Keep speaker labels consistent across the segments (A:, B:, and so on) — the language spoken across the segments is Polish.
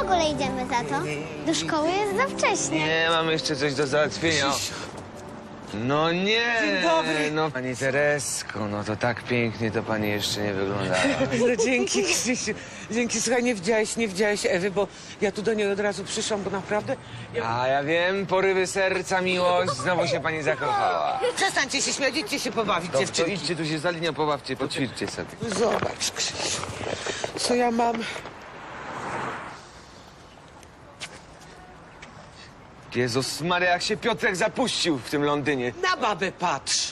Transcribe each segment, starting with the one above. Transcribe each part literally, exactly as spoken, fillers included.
A: ogóle idziemy za to? Do szkoły jest za wcześnie.
B: Nie, mam jeszcze coś do załatwienia. No nie!
C: Dzień dobry.
B: No pani Teresko, no to tak pięknie to pani jeszcze nie wyglądała.
C: No dzięki, Krzysiu. Dzięki. Słuchaj, nie widziałeś, nie widziałeś Ewy, bo ja tu do niej od razu przyszłam, bo naprawdę... Ja...
B: A ja wiem, porywy serca, miłość, znowu się pani zakochała.
C: Przestańcie się śmiać, idźcie się pobawić,
B: To, to
C: dziewczynki.
B: idźcie tu się za linią, pobawcie, poćwiczcie sobie.
C: Zobacz, Krzysiu, co ja mam.
B: Jezus Maria, jak się Piotrek zapuścił w tym Londynie.
C: Na babę patrz.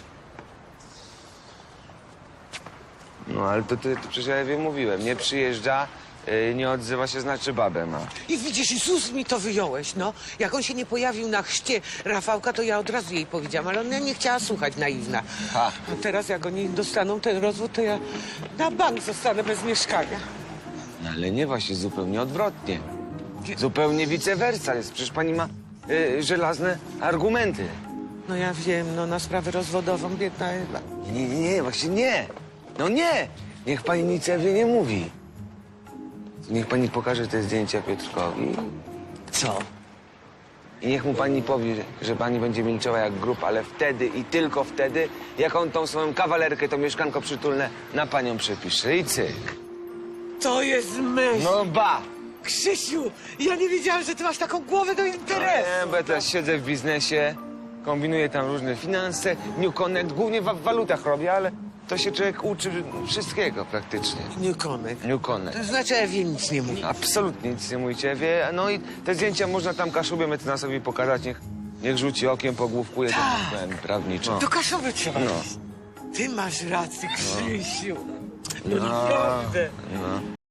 B: No ale to, to, to przecież ja wiem, mówiłem, nie przyjeżdża, yy, nie odzywa się, znaczy babę ma.
C: I widzisz, i z ust mi to wyjąłeś, no. Jak on się nie pojawił na chrzcie Rafałka, to ja od razu jej powiedziałam, ale ona nie chciała słuchać, naiwna.
B: Ha.
C: A teraz, jak oni dostaną ten rozwód, to ja na bank zostanę bez mieszkania.
B: No ale nie, właśnie zupełnie odwrotnie. Zupełnie vice versa jest, przecież pani ma yy, żelazne argumenty.
C: No ja wiem, no na sprawę rozwodową, biedna Ewa.
B: Nie, nie, nie, właśnie nie. No nie! Niech pani nic Ewie nie mówi. Niech pani pokaże te zdjęcia Piotrkowi
C: Co?
B: i niech mu pani powie, że pani będzie milczała jak grób, ale wtedy i tylko wtedy, jak on tą swoją kawalerkę, to mieszkanko przytulne na panią przepisze i cyk.
C: To jest myśl.
B: No ba!
C: Krzysiu, ja nie wiedziałam, że ty masz taką głowę do
B: No
C: interesu.
B: nie, bo ja teraz siedzę w biznesie, kombinuję tam różne finanse, New Connect, głównie w walutach robię, ale to się człowiek uczy wszystkiego praktycznie.
C: Nie konek.
B: New Connect.
C: To znaczy Ewie nic nie mówi.
B: Absolutnie nic nie mówicie, wie. No i te zdjęcia można tam Kaszubie mecenasowi pokazać, niech, niech rzuci okiem, pogłówkuje to
C: Tak.
B: tak. prawniczo.
C: Do Kaszowy trzeba
B: No.
C: iść. Ty masz rację, Krzysiu. No,
B: No,
C: naprawdę.
B: no.